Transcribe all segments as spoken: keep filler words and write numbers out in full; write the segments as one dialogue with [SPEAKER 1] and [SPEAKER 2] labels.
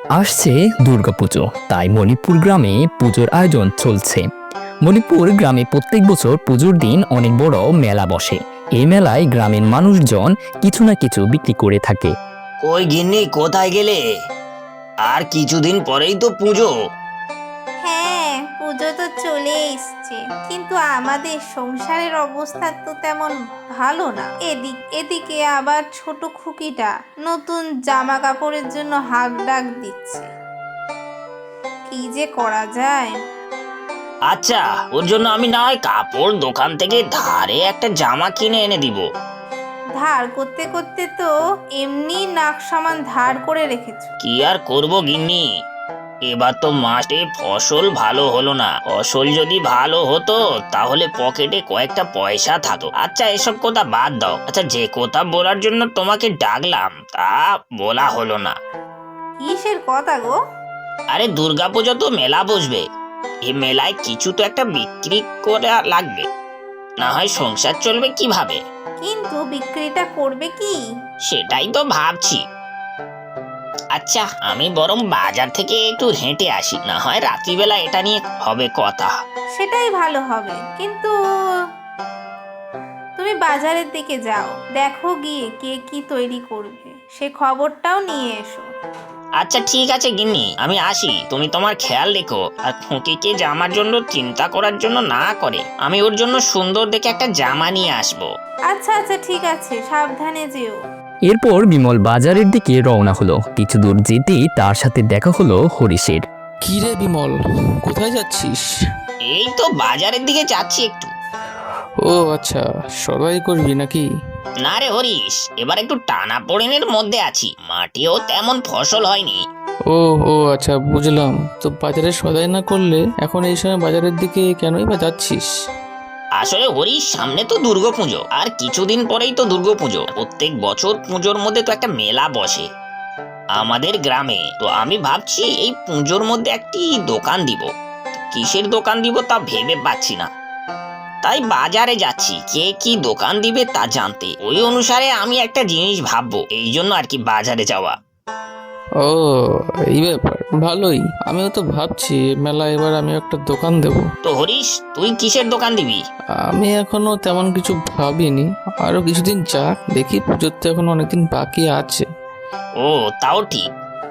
[SPEAKER 1] আসছে দুর্গাপুজো, তাই মণিপুর গ্রামে পুজোর আয়োজন চলছে। মণিপুর গ্রামে প্রত্যেক বছর পুজোর দিন অনেক বড় মেলা বসে। এই মেলায় গ্রামের মানুষজন কিছু না কিছু বিক্রি করে থাকে।
[SPEAKER 2] কই গিন্নি, কোথায় গেলে? আর কিছুদিন পরেই তো পুজো।
[SPEAKER 3] হ্যাঁ, পুজো তো চলে এসছে, কিন্তু আমাদের সংসারের অবস্থা তো তেমন ভালো না। এদিক এদিকে আবার ছোট খুকিটা নতুন জামা কাপড়ের জন্য হাক ডাক দিচ্ছে। কি যে করা যায়।
[SPEAKER 2] আচ্ছা, ওর জন্য আমি না হয় কাপড় দোকান থেকে ধারে একটা জামা কিনে এনে দিব।
[SPEAKER 3] ধার করতে করতে তো এমনি নাক সমান ধার করে রেখেছো।
[SPEAKER 2] কি আর করব গিন্নি, এবার তো মাঠে ফসল ভালো হলো না। ফসল যদি ভালো হতো তাহলে পকেটে কয়েকটা পয়সা থাকতো। আচ্ছা, এসব কথা বাদ দাও। আচ্ছা, যে কথা বলার জন্য তোমাকে ডাকলাম তা বলা হলো না।
[SPEAKER 3] কিসের কথা গো?
[SPEAKER 2] আরে, দুর্গাপুজো তো মেলা বসবে। এই মেলায় কিছু তো একটা বিক্রি করা লাগবে, না হয় সংসার চলবে কিভাবে?
[SPEAKER 3] কিন্তু বিক্রিটা করবে কি?
[SPEAKER 2] সেটাই তো ভাবছি। আচ্ছা, আমি বরং বাজার থেকে একটু হেঁটে আসি, না হয় রাত্রিবেলা এটা নিয়ে হবে কথা।
[SPEAKER 3] সেটাই ভালো হবে, কিন্তু তুমি বাজারের দিকে যাও, দেখো গিয়ে কে কি তৈরি করবে, সে খবরটাও নিয়ে এসো।
[SPEAKER 2] আচ্ছা ঠিক আছে গিন্নি, আমি আসি। তুমি তোমার খেয়াল রেখো, আর খুঁকিকে জামার জন্য চিন্তা করার জন্য না করে আমি ওর জন্য সুন্দর দেখে একটা জামা নিয়ে আসবো।
[SPEAKER 3] আচ্ছা আচ্ছা ঠিক আছে, সাবধানে যেও।
[SPEAKER 1] এরপর বিমল বাজারের দিকে রওনা হলো। কিছু দূর যেতেই তার সাথে দেখা হলো হরিশের।
[SPEAKER 4] কি রে বিমল, কোথায় যাচ্ছিস?
[SPEAKER 2] এই তো বাজারের দিকে যাচ্ছি একটু।
[SPEAKER 4] ও আচ্ছা, সদাই করবি নাকি?
[SPEAKER 2] না রে হরিশ, এবার একটু টানা পড়েনের মধ্যে আছি, মাটিও তেমন ফসল হয়নি।
[SPEAKER 4] ও ও আচ্ছা, বুঝলাম। তো বাজারে সদাই না করলে এখন এই সময় বাজারের দিকে কেনই বা যাচ্ছিস?
[SPEAKER 2] আসলে হরিশ, সামনে তো দুর্গাপুজো, আর কিছুদিন পরেই তো দুর্গাপুজো। প্রত্যেক বছর পুজোর মধ্যে তো একটা মেলা বসে আমাদের গ্রামে। তো আমি ভাবছি এই পুজোর মধ্যে একটি দোকান দিব। কিসের দোকান দিব তা ভেবে পাচ্ছি না, তাই বাজারে যাচ্ছি কে কি দোকান দিবে তা জানতে। ওই অনুসারে আমি একটা জিনিস ভাববো, এই জন্য আর কি বাজারে যাওয়া।
[SPEAKER 4] ও, এই ব্যাপার, ভালোই। আমিও তো ভাবছি মেলা এবার আমি একটা দোকান দেব।
[SPEAKER 2] তো হরিশ, তুই কিসের দোকান দিবি?
[SPEAKER 4] আমি এখনো তেমন কিছু ভাবিনি, আরো কিছুদিন যাক, দেখি। পুজোর তো এখন অনেকদিন বাকি আছে।
[SPEAKER 2] ও, তাও ঠিক।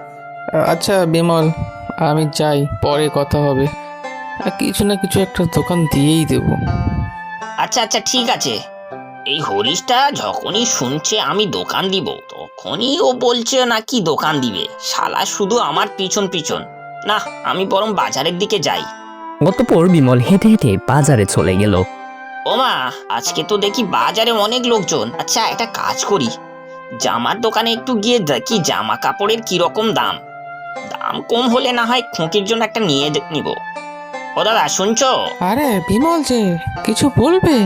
[SPEAKER 4] আচ্ছা বিমল, আমি যাই, পরে কথা হবে। আর কিছু না কিছু একটা দোকান দিয়েই দেব।
[SPEAKER 2] আচ্ছা আচ্ছা ঠিক আছে। এই হরিশটা যখনই শুনছে আমি দোকান দিব, তখনই ও বলছে নাকি দোকান দিবে। শালা শুধু আমার পিছন পিছন। না, আমি বরং বাজারের দিকে যাই।
[SPEAKER 1] অতঃপর বিমল হেঁটে হেঁটে বাজারে চলে গেল।
[SPEAKER 2] ওমা, আজকে তো দেখি বাজারে অনেক লোকজন। আচ্ছা, একটা কাজ করি, জামার দোকানে একটু গিয়ে দেখি জামা কাপড়ের কিরকম দাম। দাম কম হলে না হয় খুঁকির জন্য একটা নিয়ে দে- নিব। ও দাদা, শুনছো?
[SPEAKER 4] আরে বিমল যে, কিছু বলবে?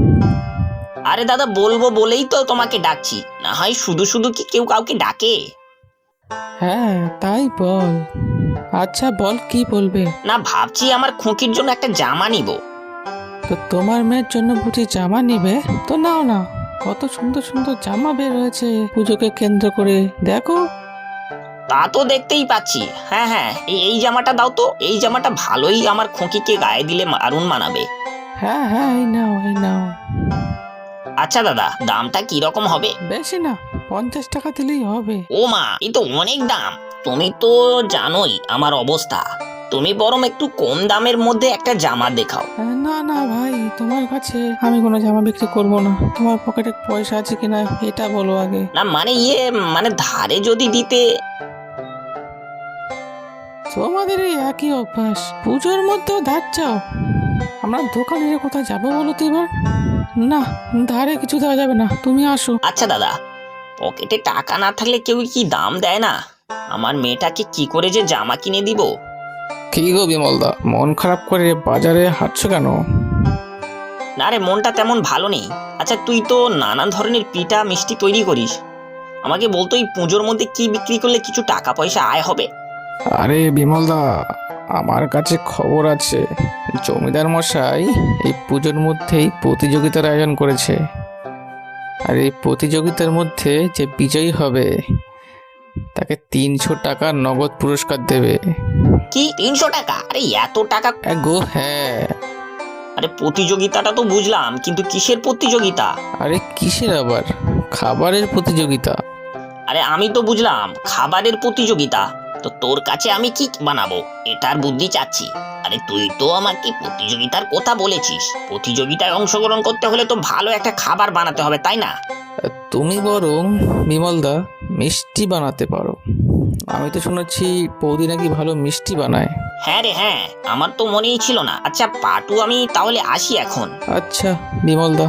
[SPEAKER 2] আরে দাদা, বলবো বলেই তো তোমাকে ডাকছি, না হয় শুধু শুধু কি কেউ কাউকে ডাকে?
[SPEAKER 4] হ্যাঁ তাই বল। আচ্ছা বল, কি বলবে?
[SPEAKER 2] না, ভাবছি আমার খুঁকির জন্য একটা জামা নিব।
[SPEAKER 4] তো তোমার মেয়ের জন্য বুঝি জামা নিবে? তো নাও না, কত সুন্দর সুন্দর জামা বের হয়েছে পুজোকে কেন্দ্র করে, দেখো।
[SPEAKER 2] তা তো দেখতেই পাচ্ছি। হ্যাঁ হ্যাঁ, এই এই জামাটা দাও তো। এই জামাটা ভালোই আমার খুঁকিকে গায়ে দিলে দারুণ মানাবে।
[SPEAKER 4] হ্যাঁ হ্যাঁ, এই নাও এই নাও।
[SPEAKER 2] আচ্ছা দাদা, দামটা কি রকম হবে?
[SPEAKER 4] বেশি না, পঞ্চাশ টাকা দিলেই হবে।
[SPEAKER 2] ও মা, এই তো অনেক দাম। তুমি তো জানোই আমার অবস্থা। তুমি বরং একটু কম দামের মধ্যে একটা জামা দেখাও।
[SPEAKER 4] আহ, না না ভাই, তোমার কাছে আমি কোনো জামা বিক্রি করব না। তোমার পকেটে পয়সা আছে কিনা এটা বলো আগে।
[SPEAKER 2] না মানে ইয়ে, মানে ধারে যদি দিতে।
[SPEAKER 4] তোমাদের এই একই অভ্যাস, পুজোর মধ্যেও ধার চাও। আমরা দোকানের কোথায় যাবো বলো তো এবার? না, ধারে কিছু দেওয়া যাবে না, তুমি আসো।
[SPEAKER 2] আচ্ছা দাদা, পকেটে টাকা না থাকলে কেউ কি দাম দেয় না? আমার মেয়েটাকে কি করে যে জামা কিনে দিব।
[SPEAKER 4] কি গো বিমলদা, মন খারাপ করে বাজারে হাঁটছো কেন?
[SPEAKER 2] না রে, মনটা তেমন ভালো নেই। আচ্ছা, তুই তো নানান ধরনের পিঠা মিষ্টি তৈরি করিস, আমাকে বলতো এই পুজোর মধ্যে কি বিক্রি করলে কিছু টাকা পয়সা আয় হবে।
[SPEAKER 4] আরে বিমলদা, আমার কাছে খবর আছে। জমিদার মশাই এই পুজোর মধ্যেই প্রতিযোগিতার আয়োজন করেছে। আর এই প্রতিযোগিতার মধ্যে যে বিজয়ী হবে তাকে তিনশো টাকা নগদ পুরস্কার দেবে।
[SPEAKER 2] কি তিনশো টাকা? আরে এত টাকা?
[SPEAKER 4] এ গো হ্যাঁ।
[SPEAKER 2] আরে প্রতিযোগিতাটা তো বুঝলাম, কিন্তু কিসের প্রতিযোগিতা?
[SPEAKER 4] আরে কিসের আবার, খাবারের প্রতিযোগিতা।
[SPEAKER 2] আরে আমি তো বুঝলাম খাবারের প্রতিযোগিতা, তো তোর কাছে আমি কি বানাবো এটার বুদ্ধি চাচ্ছি। আরে তুই তো আমাকে প্রতিযোগিতার কথা বলেছিস, প্রতিযোগিতায় অংশগ্রহণ করতে হলে তো ভালো একটা খাবার বানাতে হবে, তাই না?
[SPEAKER 4] তুমি বরং বিমলদা মিষ্টি বানাতে পারো। আমি তো শুনেছি বৌদি নাকি ভালো মিষ্টি বানায়।
[SPEAKER 2] হ্যাঁ রে হ্যাঁ, আমার তো মনেই ছিল না। আচ্ছা পাটু, আমি তাহলে আসি এখন।
[SPEAKER 4] আচ্ছা বিমলদা।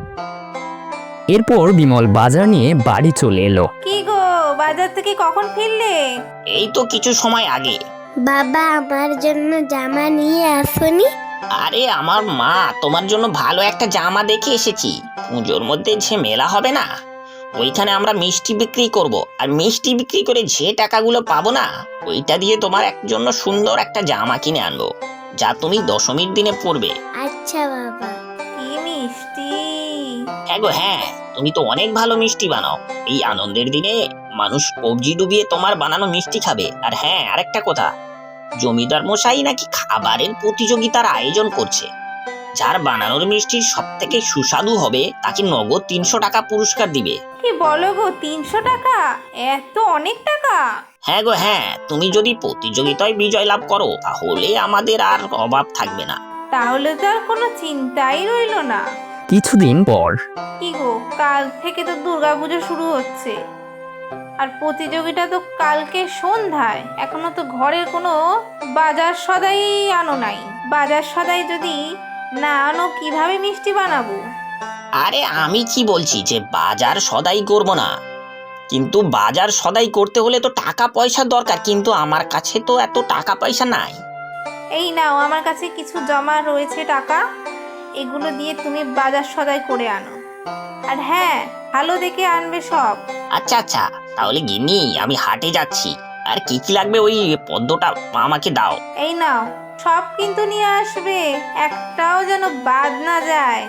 [SPEAKER 1] এরপর বিমল বাজার নিয়ে বাড়ি চলে এলো।
[SPEAKER 3] কি গো, বাজার থেকে কখন ফিরলে?
[SPEAKER 2] এই তো কিছু সময় আগে।
[SPEAKER 5] বাবা আমার জন্য জামা নিয়ে আসনি?
[SPEAKER 2] আরে আমার মা তোমার জন্য ভালো একটা জামা দেখে এসেছি। পুজোর মধ্যে যে মেলা হবে না, ওইখানে আমরা মিষ্টি বিক্রি করব, আর মিষ্টি বিক্রি করে যে টাকাগুলো পাবো না, ওইটা দিয়ে তোমার এক জন্য সুন্দর একটা জামা কিনে আনবো, যা তুমি দশমীর দিনে পরবে।
[SPEAKER 5] আচ্ছা বাবা।
[SPEAKER 3] কি মিষ্টি!
[SPEAKER 2] হ্যাঁ গো হ্যাঁ, তুমি তো অনেক ভালো মিষ্টি বানাও। এই আনন্দের দিনে মানুষ কবজি ডুবিয়ে তোমার বানানো মিষ্টি খাবে। আর হ্যাঁ, আরেকটা কথা, জমিদার মশাই নাকি খাবারের প্রতিযোগিতার আয়োজন করছে। যার বানানোর মিষ্টির সব থেকে সুস্বাদু হবে তাকে নগদ তিনশো টাকা পুরস্কার দিবে।
[SPEAKER 3] কি বলো গো, তিনশো টাকা? এত অনেক টাকা!
[SPEAKER 2] হ্যাঁ গো হ্যাঁ, তুমি যদি প্রতিযোগিতায় বিজয় লাভ করো তাহলে আমাদের আর অভাব থাকবে না।
[SPEAKER 3] তাহলে তো আর কোনো চিন্তাই রইলো না।
[SPEAKER 1] কিছুদিন পর
[SPEAKER 3] কি গো, কাল থেকে তো দুর্গাপুজো শুরু হচ্ছে, আর প্রতিযোগিতা তো কালকে সন্ধ্যায়। এখনো তো ঘরের কোনো বাজার সদাই আনো নাই। বাজার সদাই যদি না আনো কিভাবে মিষ্টি বানাবো?
[SPEAKER 2] আরে আমি কি বলছি যে বাজার সদাই করব না, কিন্তু বাজার সদাই করতে হলে তো টাকা পয়সা দরকার, কিন্তু আমার কাছে তো এত টাকা পয়সা নাই।
[SPEAKER 3] এই নাও, আমার কাছে কিছু জমা রয়েছে টাকা, এগুলো দিয়ে তুমি বাজার সদাই করে আনো। আর হ্যাঁ, ভালো দেখে আনবে সব।
[SPEAKER 2] আচ্ছা আচ্ছা, তাহলে গিন্নি আমি হাটে যাচ্ছি, আর কি কি লাগবে ওই পদ্মটা আমাকে দাও।
[SPEAKER 3] এই নাও, সব কিন্তু নিয়ে আসবে, একটাও যেন বাদ না যায়।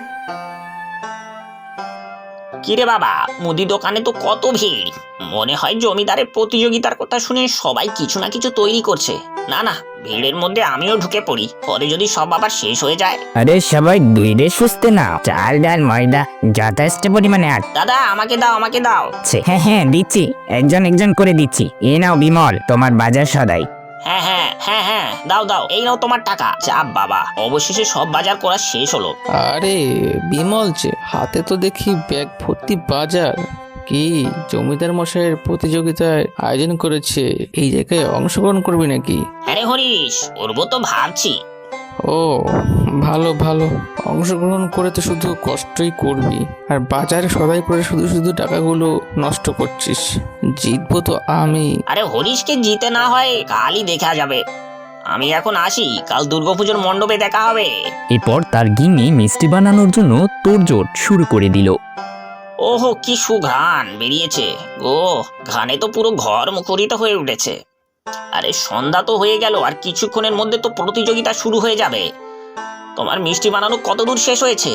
[SPEAKER 2] কিরে বাবা, মুদি দোকানে তো কত ভিড়, মনে হয় জমিদারের প্রতিযোগিতার কথা শুনে সবাই কিছু না কিছু তৈরি করছে। না না, ভিড়ের মধ্যে আমিও ঢুকে পড়ি, পরে যদি সব আবার শেষ হয়ে যায়।
[SPEAKER 1] আরে সবাই দুইরে সুস্থ না, চাল ডাল ময়দা যথেষ্ট পরিমাণে
[SPEAKER 2] দাদা আমাকে দাও আমাকে দাও।
[SPEAKER 1] আছে। হ্যাঁ হ্যাঁ দিচ্ছি, একজন একজন করে দিচ্ছি। এ নাও বিমল, তোমার বাজার সদাই।
[SPEAKER 2] হ্যাঁ হ্যাঁ হ্যাঁ হ্যাঁ, দাও দাও, এই নাও তোমার টাকা। চাপ বাবা, অবশেষে সব বাজার করা শেষ হলো।
[SPEAKER 4] আরে বিমল যে হাতে তো দেখি ব্যাগ ভর্তি বাজার। কি জমিদার মশাইয়ের প্রতিযোগিতায় আয়োজন করেছে, এই জায়গায় অংশগ্রহণ করবি নাকি?
[SPEAKER 2] আরে হরিশ, করবো তো ভাবছি।
[SPEAKER 4] ও ভালো ভালো, অংশগ্রহণ করে তো শুধু কষ্টই করবি, আর বাজারে সদাই করে শুধু শুধু টাকাগুলো নষ্ট করছিস। জিতবো তো আমি।
[SPEAKER 2] আরে হরিশকে জিতে না হয় কালই দেখা যাবে। আমি এখন আসি, কাল দুর্গাপুজোর মণ্ডপে দেখা হবে।
[SPEAKER 1] এরপর তার গিন্নি মিষ্টি বানানোর জন্য তোড়জোড় শুরু করে দিল।
[SPEAKER 2] ওহো কি সুঘ্রাণ বেরিয়েছে গো, ঘ্রাণে তো পুরো ঘর মুখরিত হয়ে উঠেছে। আরে সন্ধ্যা তো হয়ে গেল, আর কিছুক্ষণের মধ্যে তো প্রতিযোগিতা শুরু হয়ে যাবে। তোমার মিষ্টি বানানো কত দূর শেষ হয়েছে?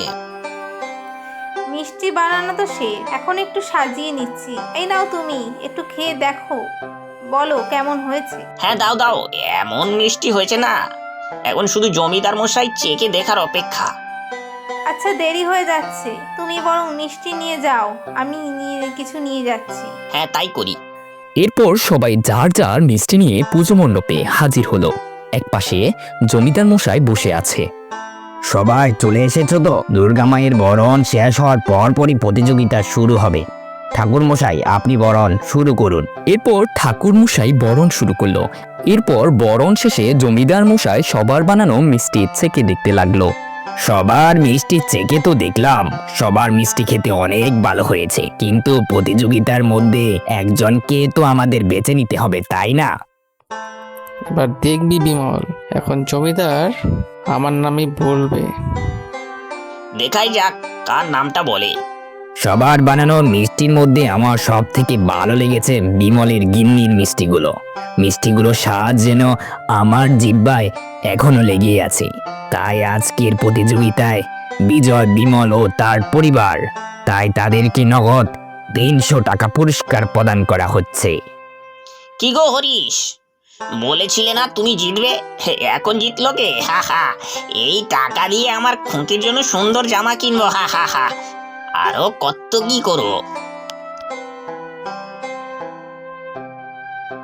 [SPEAKER 3] মিষ্টি বানানো তো শেষ, এখন একটু সাজিয়ে নিচ্ছি। এই নাও, তুমি একটু খেয়ে দেখো, বলো কেমন হয়েছে।
[SPEAKER 2] হ্যাঁ দাও দাও, এমন মিষ্টি হয়েছে না, এখন শুধু জমিদার মশাই চেকে দেখার অপেক্ষা।
[SPEAKER 3] আচ্ছা দেরি হয়ে যাচ্ছে, তুমি বরং মিষ্টি নিয়ে যাও, আমি নিয়ে কিছু নিয়ে যাচ্ছি।
[SPEAKER 2] হ্যাঁ তাই করি।
[SPEAKER 1] এরপর সবাই যার যার মিষ্টি নিয়ে পুজো মণ্ডপে হাজির হলো। একপাশে জমিদার মশাই বসে আছে। সবাই চলে এসেছো তো? দুর্গা মায়ের বরণ শেষ হওয়ার পর পরই প্রতিযোগিতা শুরু হবে। ঠাকুর মশাই, আপনি বরণ শুরু করুন। এরপর ঠাকুর মশাই বরণ শুরু করলো। এরপর বরণ শেষে জমিদার মশাই সবার বানানো মিষ্টি চেকে দেখতে লাগলো। সবার মিষ্টি চেকে তো দেখলাম, সবার মিষ্টি খেতে অনেক ভালো হয়েছে, কিন্তু প্রতিযোগিতার মধ্যে একজনকে তো আমাদের বেছে নিতে হবে, তাই না?
[SPEAKER 4] এবার দেখবি বিমল, এখন জমিদার আমার নামই বলবে।
[SPEAKER 2] দেখাই যাক কার নামটা বলে।
[SPEAKER 1] সবার বানানো মিষ্টির মধ্যে আমার সব থেকে ভালো লেগেছে বিমলের গিন্নির মিষ্টিগুলো। মিষ্টিগুলো স্বাদ যেন আমার জিহ্বায় এখনো লেগে আছে। তাই আজকের প্রতিযোগিতায় বিজয় বিমল ও তার পরিবার। তাই তাদেরকে নগদ তিনশো টাকা পুরস্কার প্রদান করা হচ্ছে।
[SPEAKER 2] কি গো হরিশ, বলেছিলে না তুমি জিতবে, হে, এখন জিতলো কে? হা হা, এই টাকা দিয়ে আমার খুঁটির জন্য সুন্দর জামা কিনবো, হা হা হা, আরো কত কি করো।